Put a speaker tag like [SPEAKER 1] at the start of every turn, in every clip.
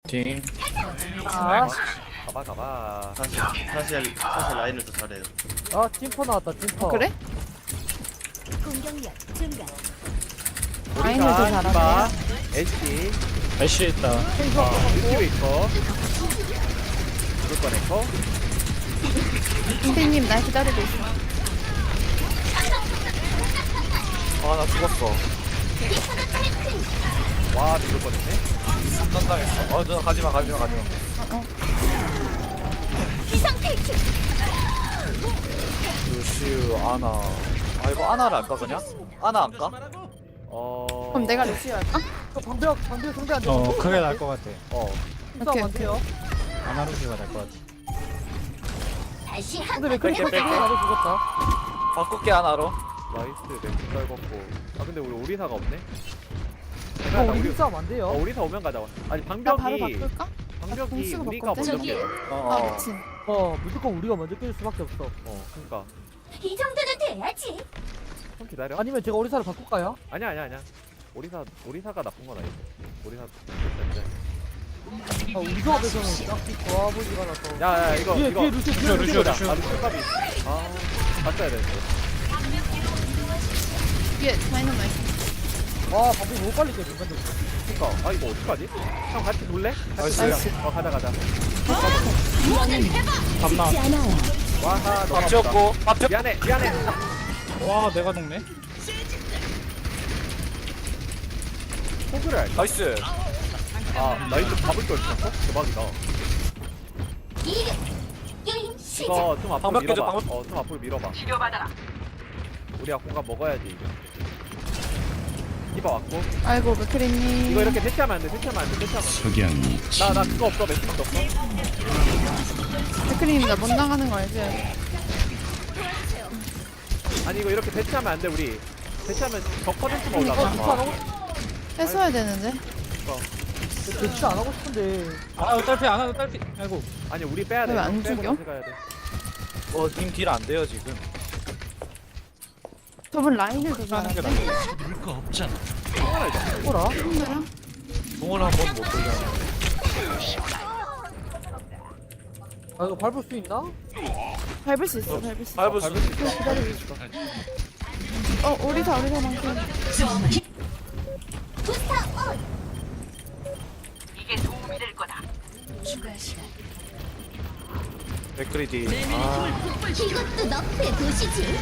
[SPEAKER 1] 팅.
[SPEAKER 2] 아,
[SPEAKER 3] 가봐.
[SPEAKER 4] 사실 라인을 더 잘해요.
[SPEAKER 2] 아 팀퍼 나왔다 팀퍼.
[SPEAKER 5] 그래?
[SPEAKER 6] 공격력 증가.
[SPEAKER 5] 라인을 더 잘하네.
[SPEAKER 3] 애쉬
[SPEAKER 1] 애쉬 있다.
[SPEAKER 3] 유튜브 있고 누구 꺼냈고
[SPEAKER 5] 선생님 날 기다리고 있어.
[SPEAKER 1] 아, 나 죽었어.
[SPEAKER 3] 와 누구 꺼냈네.
[SPEAKER 1] 깜당했어. 누나 가지마.
[SPEAKER 6] 비상퇴출.
[SPEAKER 1] 루시우, 아나. 아, 이거 아나를 할까, 그냥? 아나 안 까?
[SPEAKER 5] 그럼 내가 루시오 할까?
[SPEAKER 2] 방벽 상대 안 돼.
[SPEAKER 7] 크게 날 것 같아.
[SPEAKER 2] 싸움 안 돼요.
[SPEAKER 7] 아나루시가 날 것 같아.
[SPEAKER 6] 다시
[SPEAKER 2] 근데 왜 그렇게 나도 죽었다.
[SPEAKER 1] 바꿀게, 아나로.
[SPEAKER 3] 나이스 맥주 떨궜고. 아 근데 우리 오리사가 없네.
[SPEAKER 2] 이거 우리 힘싸움 안 돼요.
[SPEAKER 3] 오리사 오면 가자. 아니
[SPEAKER 5] 나 바로
[SPEAKER 3] 방벽이
[SPEAKER 5] 바꿀까?
[SPEAKER 3] 방벽이
[SPEAKER 5] 공수가
[SPEAKER 3] 우리가
[SPEAKER 5] 바꿨대.
[SPEAKER 3] 먼저 깨.
[SPEAKER 5] 아 미친.
[SPEAKER 2] 무조건 우리가 먼저 깰 수밖에 없어.
[SPEAKER 3] 그러니까
[SPEAKER 6] 이 정도는 돼야지.
[SPEAKER 3] 좀 기다려.
[SPEAKER 2] 아니면 제가 오리사를 바꿀까요?
[SPEAKER 3] 아니야. 오리사가 나쁜 건 아니고. 오리사.
[SPEAKER 2] 우리 조합에서는 딱히 좋아 보지가 않아서.
[SPEAKER 3] 야 이거
[SPEAKER 2] 뒤에
[SPEAKER 3] 이거.
[SPEAKER 2] 루시오.
[SPEAKER 3] 아 루시오 값이. 바꿔야 되는데.
[SPEAKER 5] 위에 다이너마이트.
[SPEAKER 2] 와 방벽 너무 빨리 깨 중간에.
[SPEAKER 3] 그니까 아 이거 어떡하지? 형 같이 놀래? 같이
[SPEAKER 5] 나이스.
[SPEAKER 3] 놀자. 가자.
[SPEAKER 7] 밤나.
[SPEAKER 6] 죽지 않아요.
[SPEAKER 3] 와하 너무
[SPEAKER 1] 밥 지었고, 밥 지었고.
[SPEAKER 3] 미안해.
[SPEAKER 7] 와 내가 녹네.
[SPEAKER 3] 포그를 할까?
[SPEAKER 1] 나이스.
[SPEAKER 3] 나이스 밥을 걸 있었어? 대박이다.
[SPEAKER 6] 이륙. 게임 시작.
[SPEAKER 3] 이거 좀 앞으로
[SPEAKER 1] 방벽 깨져,
[SPEAKER 3] 밀어봐. 좀 앞으로 밀어봐. 우리가 공간 먹어야지 이거. 디바 왔고.
[SPEAKER 5] 아이고 맥크리님.
[SPEAKER 3] 이거 이렇게 대치하면 안 돼.
[SPEAKER 7] 석양이
[SPEAKER 3] 나 그거 없어. 매트도 없어.
[SPEAKER 5] 맥크리님 나 못 나가는 거 알지?
[SPEAKER 3] 아니 이거 이렇게 대치하면 안 돼 우리. 대치하면 저 퍼센트만
[SPEAKER 2] 루시 안
[SPEAKER 3] 올라가.
[SPEAKER 2] 하고
[SPEAKER 5] 했어야 되는데.
[SPEAKER 2] 대치 안 하고 싶은데.
[SPEAKER 7] 딸피 안 하고 딸피. 아이고.
[SPEAKER 3] 아니 우리 빼야 돼.
[SPEAKER 5] 왜안
[SPEAKER 3] 빼고
[SPEAKER 5] 죽여?
[SPEAKER 3] 다시 가야 돼.
[SPEAKER 1] 님 딜 안 돼요, 지금.
[SPEAKER 5] 저분 라인을 더
[SPEAKER 7] 하는 게
[SPEAKER 5] 잘하는데.
[SPEAKER 2] 뭐라?
[SPEAKER 5] 힘들어?
[SPEAKER 1] 공을 한 번 못 돌려.
[SPEAKER 2] 아 이거 밟을 수 있나?
[SPEAKER 5] 밟을 수 있어. 밟을 수 있어.
[SPEAKER 1] 밟을 수 있어.
[SPEAKER 5] 오리사만큼.
[SPEAKER 6] 부스터 온. 추가 시간.
[SPEAKER 1] 맥크리디.
[SPEAKER 6] 이것도 너프의 도시지.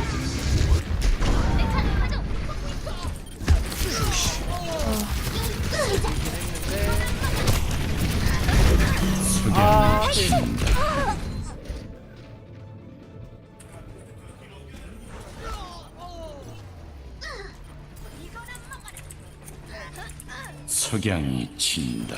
[SPEAKER 7] 석양이 친다.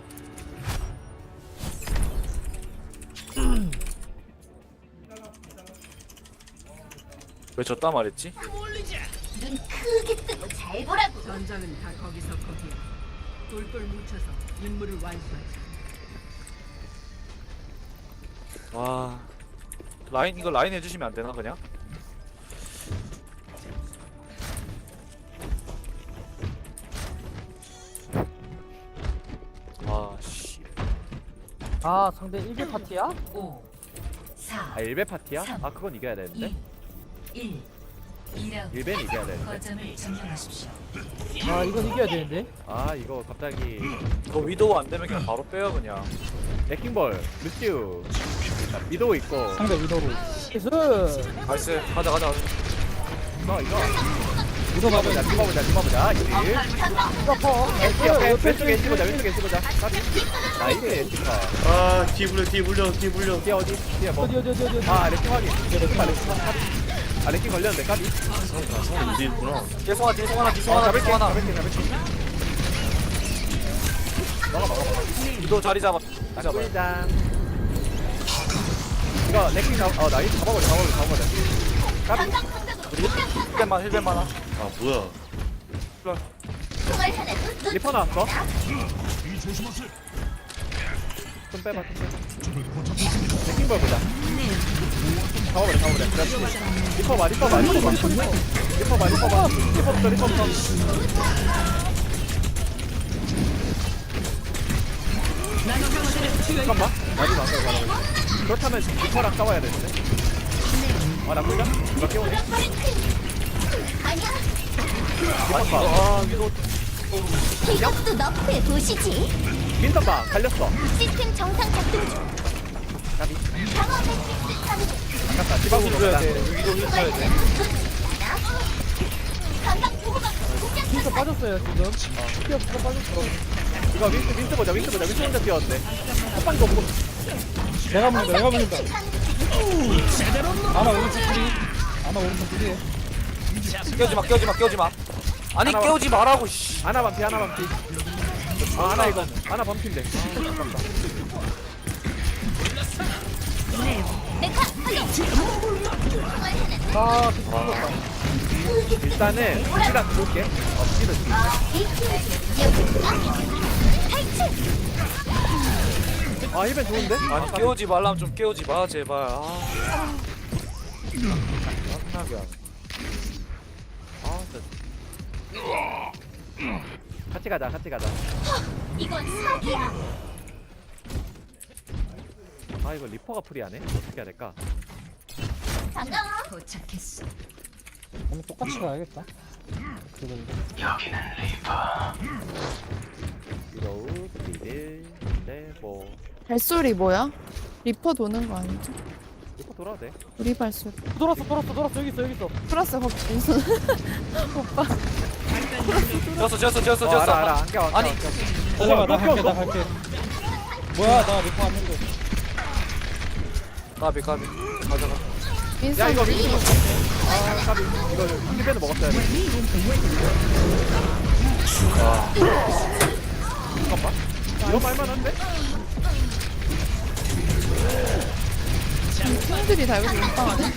[SPEAKER 1] 왜 졌다 말했지?
[SPEAKER 6] 눈 크게 뜨고 잘 보라고.
[SPEAKER 8] 전장은 다 거기서 거기야. 똘똘 뭉쳐서 임무를 완수하자.
[SPEAKER 1] 와. 이거 라인 해주시면 안 되나, 그냥? 아, 씨.
[SPEAKER 2] 아 상대 1대 파티야?
[SPEAKER 6] 5, 4,
[SPEAKER 3] 1배 파티야? 그건 이겨야 되는데.
[SPEAKER 6] 1. 2라운드.
[SPEAKER 3] 1배는 이겨야 되는데.
[SPEAKER 6] 거점을 점령하십시오.
[SPEAKER 2] 아 이건 이겨야 되는데.
[SPEAKER 3] 이거 갑자기
[SPEAKER 1] 이거 위도우 안 되면 그냥 바로 빼요, 그냥.
[SPEAKER 3] 레킹볼 루시우 미도우 있고.
[SPEAKER 7] 상대 위도로.
[SPEAKER 2] 나이스.
[SPEAKER 1] 나이스. 가자.
[SPEAKER 3] 이거 디바보자 이지.
[SPEAKER 2] 퍼. 나이스.
[SPEAKER 3] 왼쪽에 치보자. 나이스 에티카.
[SPEAKER 4] 뒤에 물려.
[SPEAKER 3] 뒤에 어디? 뒤에 뭐?
[SPEAKER 2] 어디.
[SPEAKER 3] 레킹 확인. 레킹 걸렸는데 까비.
[SPEAKER 4] 어디 있구나.
[SPEAKER 1] 뒤에 송하나.
[SPEAKER 3] 잡을게.
[SPEAKER 1] 위도우 자리 잡아.
[SPEAKER 3] 꿀장. 이거 레킹 나이스 잡아버려. 까비.
[SPEAKER 1] 힐벤 많아.
[SPEAKER 4] 뭐야.
[SPEAKER 6] 총알 하나도 놓.
[SPEAKER 3] 리퍼 나왔어. 좀 빼봐. 레킹볼 보자. 잡아버려. 리퍼 봐. 리퍼부터. 잠깐만. 나도 나서 말하고. 그렇다면 리퍼랑 싸워야 되는데. 아 나쁘다. 누가 깨우네.
[SPEAKER 9] 이것도 너프의 도시지.
[SPEAKER 3] 윈터 봐. 갈렸어.
[SPEAKER 9] 시스템 정상 작동 중. 방어 매트릭스 사는 중.
[SPEAKER 3] 잠깐 디바구로 가자.
[SPEAKER 1] 위도 쳐야 돼.
[SPEAKER 9] 건강 보호막
[SPEAKER 2] 진짜 빠졌어요 지금. 피어 진짜 빠졌어.
[SPEAKER 3] 이거 윈트 보자. 윈트 혼자 뛰었는데. 한 방도 없고.
[SPEAKER 7] 내가 먹는다. 아마 오른쪽 뿌리. 아마 오른쪽 뿌리.
[SPEAKER 1] 깨우지 마. 아니
[SPEAKER 3] 하나
[SPEAKER 1] 깨우지 말라고 씨.
[SPEAKER 3] 하나 반피. 아 하나 이거. 하나 반피인데. 아깝다.
[SPEAKER 9] 메카 활용.
[SPEAKER 2] 아 죽었다.
[SPEAKER 3] 일단은 우리가 들어올게. 우리는 아 힐벤 좋은데?
[SPEAKER 1] 아니 깨우지 말라면 좀 깨우지 마 제발. 짜증나게 하네.
[SPEAKER 3] 같이 가자.
[SPEAKER 9] 이건 사기야.
[SPEAKER 3] 아 이거 리퍼가 프리하네. 어떻게 해야 될까?
[SPEAKER 9] 반가워.
[SPEAKER 6] 도착했어.
[SPEAKER 7] 오늘 똑같이 가야겠다.
[SPEAKER 3] 위도우, 미드, 네뭐
[SPEAKER 5] 발소리 뭐야? 리퍼 도는 거 아니죠?
[SPEAKER 3] 리퍼 돌아도 돼.
[SPEAKER 5] 우리 발소리.
[SPEAKER 2] 돌았어 여기 있어.
[SPEAKER 5] 플러스 거기 민선. 오빠.
[SPEAKER 1] 지었어.
[SPEAKER 3] 알아. 안겨.
[SPEAKER 1] 아니.
[SPEAKER 7] 잠깐만 나 갈게. 뭐야 나 리퍼 왔는데.
[SPEAKER 1] 가비 가자.
[SPEAKER 3] 야
[SPEAKER 5] 민선.
[SPEAKER 3] 이거 윈터. 아 까비. 이거 힐벤을 먹었어야 돼. 잠깐만. 이거 말만한데?
[SPEAKER 5] 형들이 달고 민빵하네.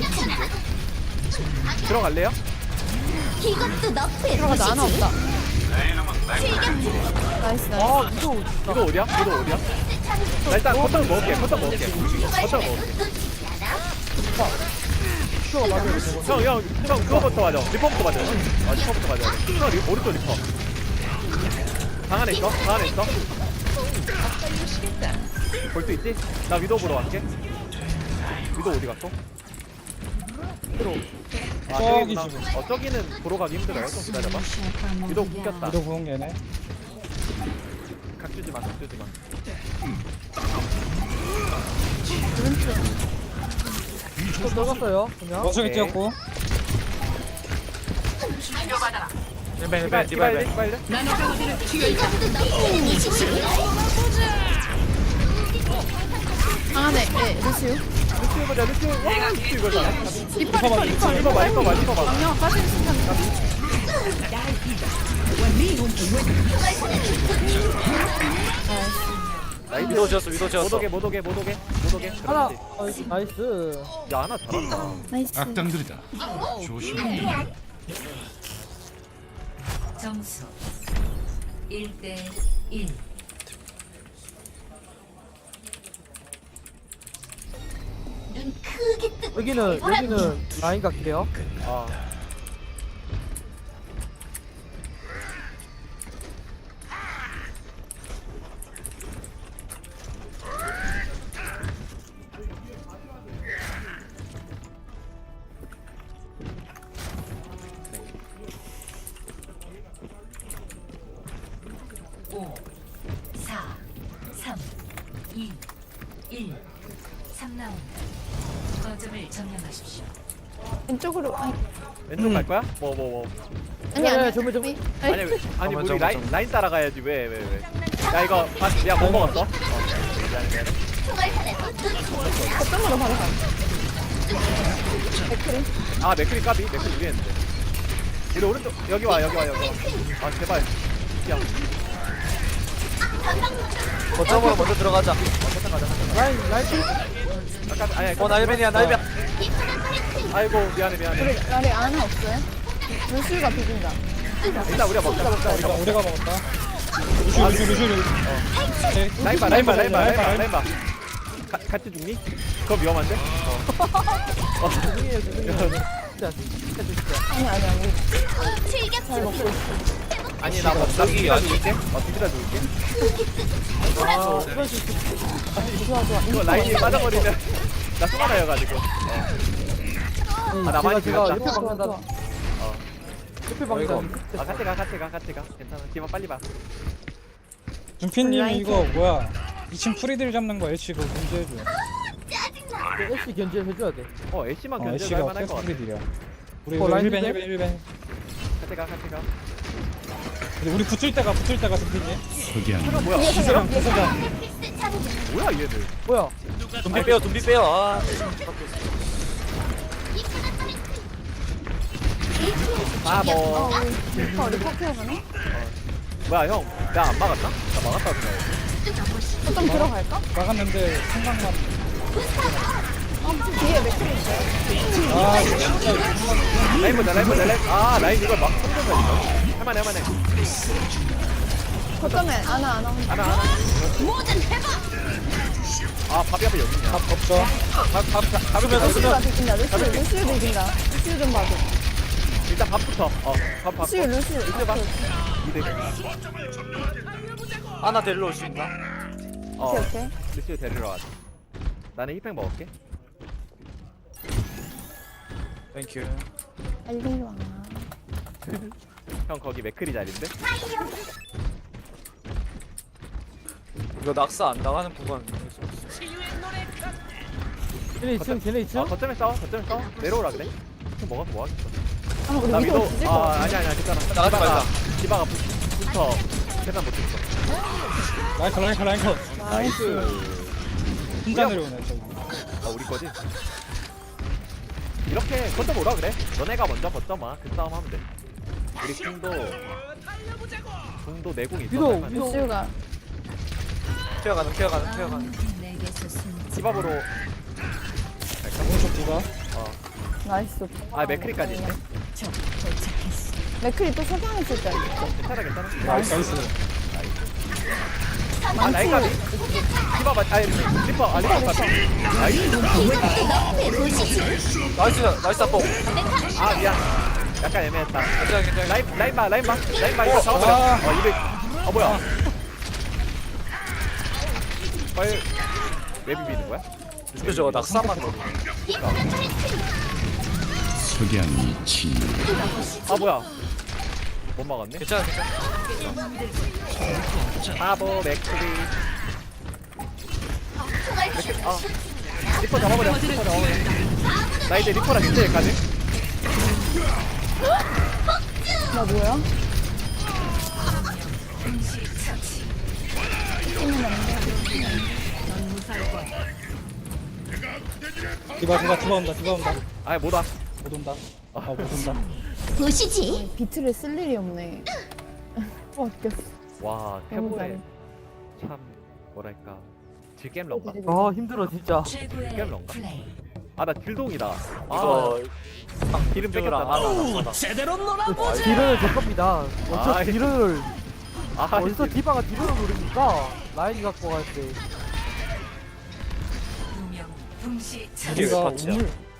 [SPEAKER 3] 들어갈래요?
[SPEAKER 9] 이것도 너프의
[SPEAKER 5] 들어가자 하나
[SPEAKER 9] 도시지.
[SPEAKER 5] 없다. 나이스.
[SPEAKER 3] 아 이거 어디야? 나 일단 버터 먹을게. 형 그거부터 맞아. 리퍼부터 맞아. 리퍼부터 맞아. 형 오른쪽 리퍼. 방 안에 있어? 볼 수 있지? 나 위도우 보러 갈게. 위도우 어디 갔어? 아
[SPEAKER 7] 저기
[SPEAKER 3] 저기구나. 저기는 보러 가기 힘들어요. 좀 기다려봐. 위도우 묶였다.
[SPEAKER 7] 위도 보는 게네.
[SPEAKER 3] 각 주지 마.
[SPEAKER 2] 또 들어갔어요 그냥.
[SPEAKER 7] 원숭이
[SPEAKER 3] 오케이.
[SPEAKER 7] 뛰었고.
[SPEAKER 1] 디바이.
[SPEAKER 3] 디바일래?
[SPEAKER 5] 방 안에 루시우.
[SPEAKER 3] 루시우 보자. 와 루시우 이거잖아.
[SPEAKER 5] 리퍼.
[SPEAKER 3] 리퍼 봐.
[SPEAKER 5] 방향 빠지는 순간.
[SPEAKER 1] 위도 지었어.
[SPEAKER 3] 못 오게.
[SPEAKER 2] 하나.
[SPEAKER 3] 그렇지.
[SPEAKER 2] 나이스.
[SPEAKER 3] 야 하나 잘한다.
[SPEAKER 5] 나이스.
[SPEAKER 7] 악당들이다. 조심해.
[SPEAKER 6] 점수 1대 1.
[SPEAKER 9] 눈 크게 뜨고.
[SPEAKER 2] 여기는 라인 갈게요.
[SPEAKER 3] 아.
[SPEAKER 6] 오, 4, 3, 2, 1. 3라운드. 거점을 점령하십시오.
[SPEAKER 5] 왼쪽으로. 아니
[SPEAKER 3] 왼쪽 갈 거야? 뭐.
[SPEAKER 5] 아니.
[SPEAKER 2] 정말.
[SPEAKER 3] 아니 우리
[SPEAKER 1] 잠깐만.
[SPEAKER 3] 라인 따라가야지. 왜? 야 이거 야 뭐 먹었어? 미안해.
[SPEAKER 5] 거점으로 바로 가.
[SPEAKER 3] 아 맥크리 까비. 맥크리 위했는데. 우리 오른쪽 여기 와. 아 제발. 야.
[SPEAKER 1] 거점으로 먼저 들어가자.
[SPEAKER 2] 라인.
[SPEAKER 3] 아까 아니.
[SPEAKER 1] 날벤이야.
[SPEAKER 3] 아이고 미안해.
[SPEAKER 5] 우리 아래 아나 없어요? 루시우가 비빈다.
[SPEAKER 3] 일단 우리가 먹자.
[SPEAKER 7] 우리가 먹었다. 루슈.
[SPEAKER 3] 라인 봐. 같이 죽니? 그거 위험한데?
[SPEAKER 2] 죄송해요. 진짜.
[SPEAKER 5] 아니.
[SPEAKER 9] 즐겨.
[SPEAKER 5] 잘 먹고 있어.
[SPEAKER 3] 아니 나
[SPEAKER 1] 갑자기
[SPEAKER 3] 비비다
[SPEAKER 1] 아니.
[SPEAKER 3] 줄게. 비비다 줄게.
[SPEAKER 2] 아 이런 식으로
[SPEAKER 5] 좋아 좋아.
[SPEAKER 3] 이거 라인이 빠져버리면 나 수가나여가지고. 나 많이
[SPEAKER 2] 제가
[SPEAKER 3] 들렸다.
[SPEAKER 2] 옆에 방탄다 옆에 방탄
[SPEAKER 3] 같이 가. 괜찮아. 기만 빨리 봐.
[SPEAKER 7] 준피님 이거 뭐야 2층 프리딜 잡는 거 애쉬 그거 문제해줘.
[SPEAKER 2] 애쉬 견제 해줘야 돼
[SPEAKER 3] 애쉬만 견제할
[SPEAKER 7] 애쉬가
[SPEAKER 3] 만할
[SPEAKER 7] 계속
[SPEAKER 3] 것 같아.
[SPEAKER 7] 프리딜이야. 우리
[SPEAKER 2] 라인
[SPEAKER 7] 1벤
[SPEAKER 2] 돼?
[SPEAKER 7] 1벤
[SPEAKER 3] 같이 가.
[SPEAKER 7] 근데 우리 붙을 때가 준피님.
[SPEAKER 3] 이거 뭐야?
[SPEAKER 7] 기세랑 기세가
[SPEAKER 9] 매트릭스 장전.
[SPEAKER 3] 뭐야 얘들?
[SPEAKER 2] 뭐야
[SPEAKER 1] 둠비 빼요. 아.
[SPEAKER 3] 뭐
[SPEAKER 5] 리퍼 키워가네.
[SPEAKER 3] 뭐야 형? 나 안 막았나? 나 막았다 그래.
[SPEAKER 5] 좀 들어갈까?
[SPEAKER 7] 막았는데 생각만.
[SPEAKER 5] 뒤에 맥크리 있어요.
[SPEAKER 7] 아 진짜
[SPEAKER 3] 라인 보자. 라인 이걸 막 손전자니까. 할만해.
[SPEAKER 5] 거점에 안아.
[SPEAKER 3] 하나.
[SPEAKER 9] 모든 해봐.
[SPEAKER 3] 밥이 앞에 여기 있냐?
[SPEAKER 7] 밥 없어.
[SPEAKER 1] 잡으면
[SPEAKER 5] 루시가 비긴다. 루시도 비긴다. 루시 좀 봐줘.
[SPEAKER 3] 일단 밥부터. 밥.
[SPEAKER 5] 루시.
[SPEAKER 3] 이제 봐. 이득.
[SPEAKER 1] 하나 데리러 올 수 있나?
[SPEAKER 5] 오케이.
[SPEAKER 3] 루시오 데리러 가자. 나는 힙팩 먹을게.
[SPEAKER 1] 땡큐.
[SPEAKER 5] 빨리 와.
[SPEAKER 3] 형 거기 맥크리 자리인데?
[SPEAKER 1] 이거 낙사 안 당하는 구간.
[SPEAKER 2] 걔네 2층 걔네 2층
[SPEAKER 3] 거점에 싸워. 내려오라 그래. 좀 먹어서 뭐 하겠어.
[SPEAKER 5] 아 우리
[SPEAKER 3] 나
[SPEAKER 5] 위도
[SPEAKER 3] 위도.
[SPEAKER 5] 뒤질 거 같아.
[SPEAKER 3] 아니야 괜찮아.
[SPEAKER 1] 나가지 말자.
[SPEAKER 3] 디바가 붙어. 계단 못 했어.
[SPEAKER 7] 라인 컷.
[SPEAKER 3] 나이스.
[SPEAKER 7] 혼자 내려오네 저기.
[SPEAKER 3] 우리 거지? 이렇게 거점 오라 그래. 너네가 먼저 거점 와. 그 싸움 하면 돼. 우리 궁도 내궁 있어.
[SPEAKER 2] 위도,
[SPEAKER 3] 할만해.
[SPEAKER 2] 위도.
[SPEAKER 5] 루시가
[SPEAKER 1] 튀어가는.
[SPEAKER 6] 내게서 숨지
[SPEAKER 3] 디밥으로.
[SPEAKER 7] 오른쪽 디바.
[SPEAKER 5] 나이스.
[SPEAKER 3] 맥크리까지 있네.
[SPEAKER 6] 적 도착했어.
[SPEAKER 5] 맥크리 또 석양 있을 때.
[SPEAKER 3] 괜찮아.
[SPEAKER 7] 나이스.
[SPEAKER 3] 나이까지. 디밥 리퍼. 리퍼 같이. 나이스.
[SPEAKER 1] 나이스 아뽕.
[SPEAKER 3] 미안. 약간 애매했다.
[SPEAKER 1] 괜찮아.
[SPEAKER 3] 라인 봐. 이거 잡아버려. 이백. 뭐야? 빨리 왜 비비는 거야?
[SPEAKER 1] 근데 저거 낙사만 먹어.
[SPEAKER 3] 뭐야? 못 막았네.
[SPEAKER 1] 괜찮아.
[SPEAKER 3] 맥크리. 리퍼 잡아버려. 나 이제 리퍼랑 진짜 가지?
[SPEAKER 5] 나 뭐야?
[SPEAKER 7] 디바 온다.
[SPEAKER 3] 못 와.
[SPEAKER 7] 못 온다. 못 온다.
[SPEAKER 9] 보시지.
[SPEAKER 5] 비트를 쓸 일이 없네. 웃겼어.
[SPEAKER 3] 와,
[SPEAKER 5] 너무
[SPEAKER 3] 태보에
[SPEAKER 5] 잘해.
[SPEAKER 3] 참 뭐랄까 질겜 런가?
[SPEAKER 2] 아 힘들어 진짜
[SPEAKER 6] 최고의
[SPEAKER 3] 질겜 런가?
[SPEAKER 6] 플레이.
[SPEAKER 3] 나 딜동이다.
[SPEAKER 1] 이거
[SPEAKER 3] 기름
[SPEAKER 1] 뺏겼다.
[SPEAKER 3] 뺏겼다.
[SPEAKER 2] 딜을 제 겁니다 어쩌
[SPEAKER 3] 아이.
[SPEAKER 2] 딜을
[SPEAKER 3] 아,
[SPEAKER 2] 어디서 디바가 딜을 노립니까 라인이 갖고 갈때
[SPEAKER 6] 두명 동시
[SPEAKER 1] 이게 왜
[SPEAKER 7] 우리가
[SPEAKER 1] 팟이야?
[SPEAKER 7] 우물